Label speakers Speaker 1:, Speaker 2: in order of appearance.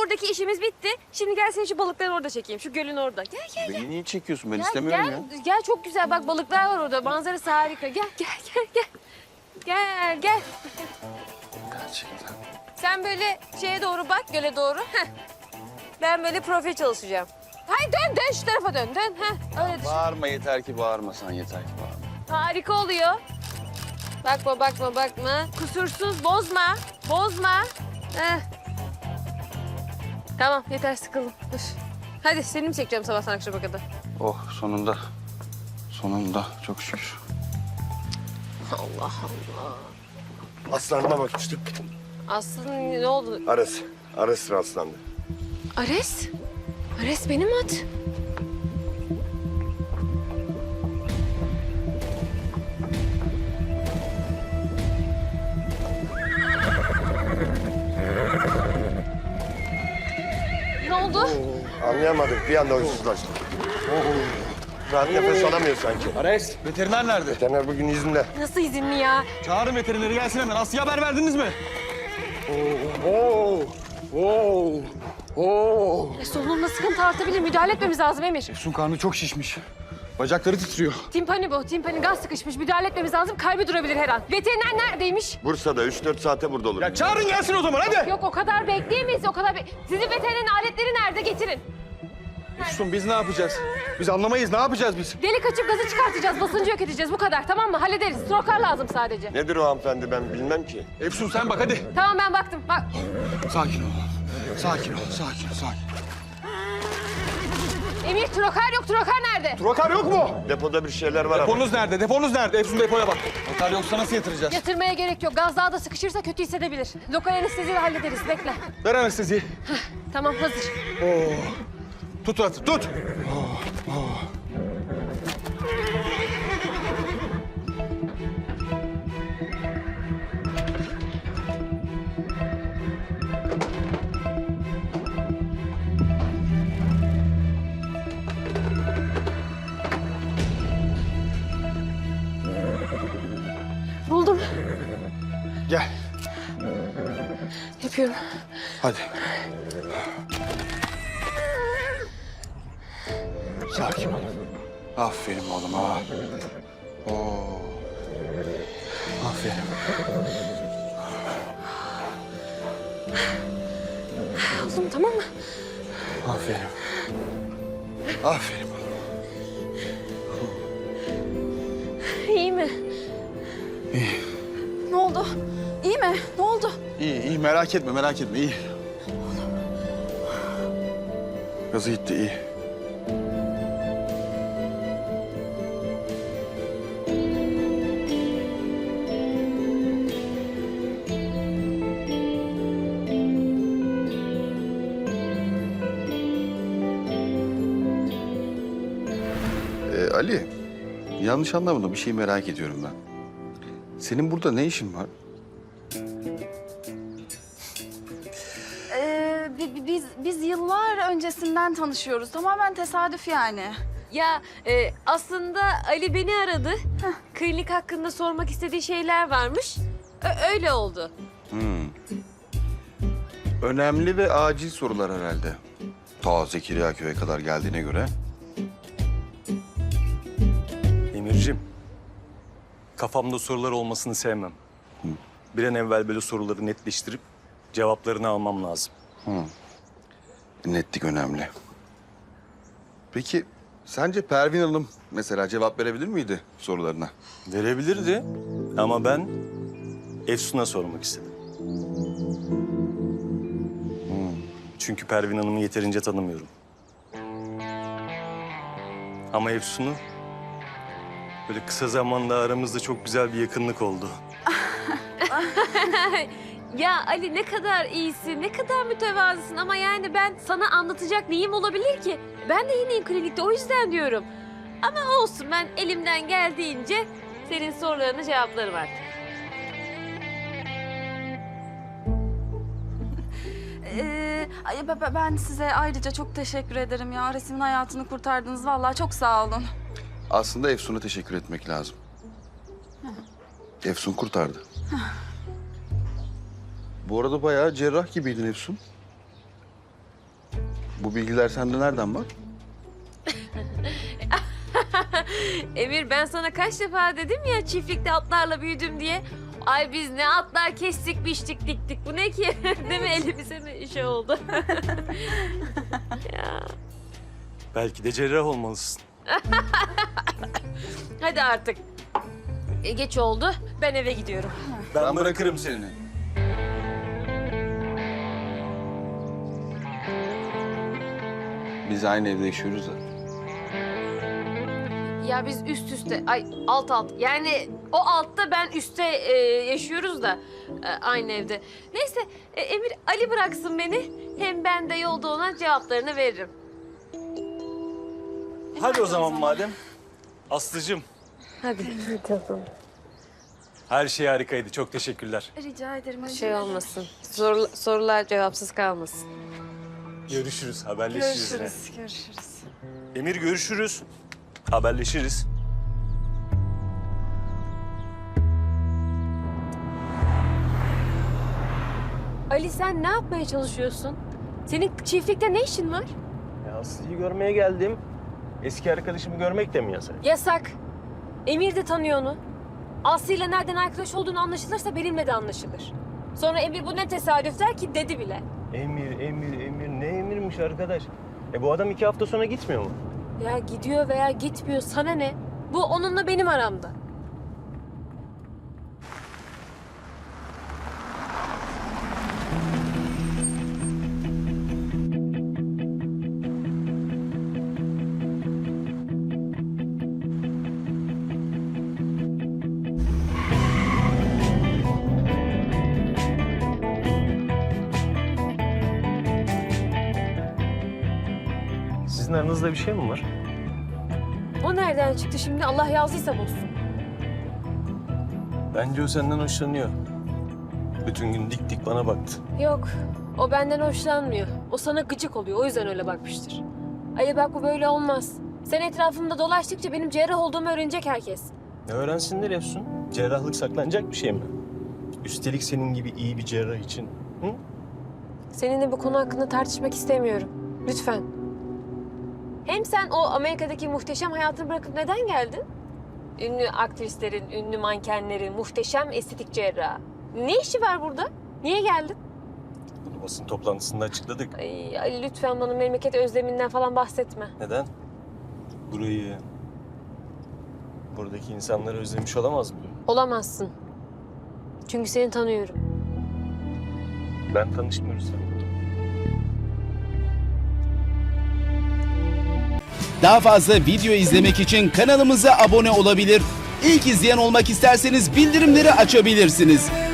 Speaker 1: oradaki işimiz bitti. Şimdi gel seni şu balıkları orada çekeyim. Şu gölün orada. Gel gel gel.
Speaker 2: Beni niye çekiyorsun? Ben
Speaker 1: Gel,
Speaker 2: istemiyorum
Speaker 1: gel,
Speaker 2: ya.
Speaker 1: Gel çok güzel. Bak balıklar var orada. Manzarası harika. Gel gel gel gel. Gel gel.
Speaker 2: Gerçekten.
Speaker 1: Sen böyle şeye doğru bak, göle doğru. Heh. Ben böyle profil çalışacağım. Hayır dön şu tarafa dön. Heh. Öyle düşün.
Speaker 2: Bağırma yeter ki bağırmasan yeter ki bağırma.
Speaker 1: Harika oluyor. Bakma. Kusursuz, bozma. Heh. Tamam, yeter sıkıldım. Dur. Hadi seni mi çekeceğim sabahtan akşama kadar?
Speaker 2: Oh sonunda. Sonunda çok şükür.
Speaker 1: Allah Allah.
Speaker 3: Aslanıma bakmıştım.
Speaker 1: Aslında ne oldu?
Speaker 3: Ares rastlandı.
Speaker 1: Ares? Ares benim at. Ne oldu?
Speaker 3: Anlayamadık. Bir anda huysuzlaştık. Rahat nefes alamıyor sanki.
Speaker 4: Ares, veteriner nerede?
Speaker 3: Veteriner bugün izinde.
Speaker 1: Nasıl izinli ya?
Speaker 4: Çağırın veterineri gelsin hemen. Aslı'ya haber verdiniz mi?
Speaker 1: Solunumda sıkıntı artabilir. Müdahale etmemiz lazım Emir.
Speaker 4: Efsun karnı çok şişmiş. Bacakları titriyor.
Speaker 1: Timpani bu. Timpani gaz sıkışmış. Müdahale etmemiz lazım. Kalbi durabilir her an. Veteriner neredeymiş?
Speaker 3: Bursa'da 3-4 saate burada olur.
Speaker 4: Ya çağırın gelsin o zaman hadi.
Speaker 1: Yok o kadar bekleyemeyiz. Sizin veterinerin aletleri nerede? Getirin.
Speaker 4: Efsun biz ne yapacağız? Biz anlamayız. Ne yapacağız biz?
Speaker 1: Delik açıp gazı çıkartacağız. Basıncı yok edeceğiz. Bu kadar tamam mı? Hallederiz. Strokar lazım sadece.
Speaker 3: Nedir o hanımefendi ben bilmem ki.
Speaker 4: Efsun sen bak hadi.
Speaker 1: Tamam ben baktım. Bak.
Speaker 4: Sakin ol. Sakin ol. Sakin.
Speaker 1: Emir trokar yok. Trokar nerede?
Speaker 4: Trokar yok mu?
Speaker 3: Depoda bir şeyler var ama.
Speaker 4: Deponuz nerede? Efsun depoya bak. Trokar yoksa nasıl yatıracağız?
Speaker 1: Yatırmaya gerek yok. Gaz daha da sıkışırsa kötü hissedebilir. Lokal anesteziyle hallederiz. Bekle.
Speaker 4: Ver anesteziyi.
Speaker 1: Tamam hazır.
Speaker 4: Tut at, tut.
Speaker 1: Buldum.
Speaker 4: Gel.
Speaker 1: Yapıyorum.
Speaker 4: Hadi. Sakin ol.
Speaker 2: Aferin oğlum ha. Oo.
Speaker 4: Aferin.
Speaker 1: Buldum tamam mı?
Speaker 4: Aferin.
Speaker 2: Aferin.
Speaker 1: İyi mi?
Speaker 5: Ne oldu? İyi mi? Ne oldu?
Speaker 2: İyi merak etme iyi. Gazı gitti iyi. Ali, yanlış anlamadım. Bir şey merak ediyorum ben. Senin burada ne işin var?
Speaker 5: Biz yıllar öncesinden tanışıyoruz. Tamamen tesadüf yani.
Speaker 1: Ya aslında Ali beni aradı. Klinik hakkında sormak istediği şeyler varmış. Öyle oldu.
Speaker 2: Önemli ve acil sorular herhalde. Ta Zekeriyaköy'e kadar geldiğine göre.
Speaker 6: Emir'cim, kafamda sorular olmasını sevmem. Bir an evvel böyle soruları netleştirip cevaplarını almam lazım.
Speaker 2: Netlik önemli. Peki sence Pervin Hanım mesela cevap verebilir miydi sorularına?
Speaker 6: Verebilirdi ama ben Efsun'a sormak istedim. Çünkü Pervin Hanım'ı yeterince tanımıyorum. Ama Efsun'u böyle kısa zamanda aramızda çok güzel bir yakınlık oldu.
Speaker 1: Ya Ali ne kadar iyisin, ne kadar mütevazısın ama yani ben sana anlatacak neyim olabilir ki? Ben de yeniyim klinikte o yüzden diyorum. Ama olsun ben elimden geldiğince senin sorularına cevaplarım artık.
Speaker 5: Ben size ayrıca çok teşekkür ederim ya. Ares'imin hayatını kurtardınız. Vallahi çok sağ olun.
Speaker 2: Aslında Efsun'a teşekkür etmek lazım. Efsun kurtardı. Bu arada bayağı cerrah gibiydin Efsun. Bu bilgiler sende nereden var?
Speaker 1: Emir ben sana kaç defa dedim ya çiftlikte atlarla büyüdüm diye. Ay biz ne atlar kestik, biçtik, diktik. Bu ne ki? Değil mi? Elimize mi şey oldu? Ya.
Speaker 6: Belki de cerrah olmalısın.
Speaker 1: Hadi artık. Geç oldu. Ben eve gidiyorum.
Speaker 2: Ben bırakırım seni. Biz aynı evde yaşıyoruz da.
Speaker 1: Ya biz üst üste, ay alt alt. Yani o altta ben üstte yaşıyoruz da aynı evde. Neyse Emir Ali bıraksın beni. Hem ben de yolda ona cevaplarını veririm.
Speaker 6: Hadi o zaman madem. Aslıcığım,
Speaker 1: Hadi.
Speaker 6: her şey harikaydı. Çok teşekkürler.
Speaker 5: Rica ederim.
Speaker 1: Şey olmasın. Sorular cevapsız kalmasın.
Speaker 6: Görüşürüz, haberleşiriz. yine.
Speaker 5: Görüşürüz.
Speaker 6: Emir görüşürüz. Haberleşiriz.
Speaker 1: Ali sen ne yapmaya çalışıyorsun? Senin çiftlikte ne işin var?
Speaker 4: Ya Aslı'yı görmeye geldim. Eski arkadaşımı görmek de mi yasak?
Speaker 1: Yasak. Emir de tanıyor onu. Aslı ile nereden arkadaş olduğunu anlaşılırsa benimle de anlaşılır. Sonra Emir bu ne tesadüf der ki dedi bile.
Speaker 4: Emir. Ne emirmiş arkadaş? Bu adam 2 hafta sonra gitmiyor mu?
Speaker 1: Ya gidiyor veya gitmiyor sana ne? Bu onunla benim aramda.
Speaker 4: Sizin aranızda bir şey mi var?
Speaker 1: O nereden çıktı şimdi Allah yazdıysa bozsun.
Speaker 4: Bence o senden hoşlanıyor. Bütün gün dik dik bana baktı.
Speaker 1: Yok o benden hoşlanmıyor. O sana gıcık oluyor o yüzden öyle bakmıştır. Ali bak bu böyle olmaz. Sen etrafımda dolaştıkça benim cerrah olduğumu öğrenecek herkes.
Speaker 4: Ne öğrensinler Efsun? Cerrahlık saklanacak bir şey mi? Üstelik senin gibi iyi bir cerrah için. Hı?
Speaker 1: Seninle bu konu hakkında tartışmak istemiyorum. Lütfen. Hem sen o Amerika'daki muhteşem hayatını bırakıp neden geldin? Ünlü aktrislerin, ünlü mankenlerin, muhteşem estetik cerrahı. Ne işi var burada? Niye geldin?
Speaker 4: Bunu basın toplantısında açıkladık.
Speaker 1: Ay, Ali lütfen bana memleket özleminden falan bahsetme.
Speaker 4: Neden? Burayı, buradaki insanları özlemiş olamaz mı?
Speaker 1: Olamazsın. Çünkü seni tanıyorum.
Speaker 4: Ben tanışmıyoruz seninle.
Speaker 7: Daha fazla video izlemek için kanalımıza abone olabilir. İlk izleyen olmak isterseniz bildirimleri açabilirsiniz.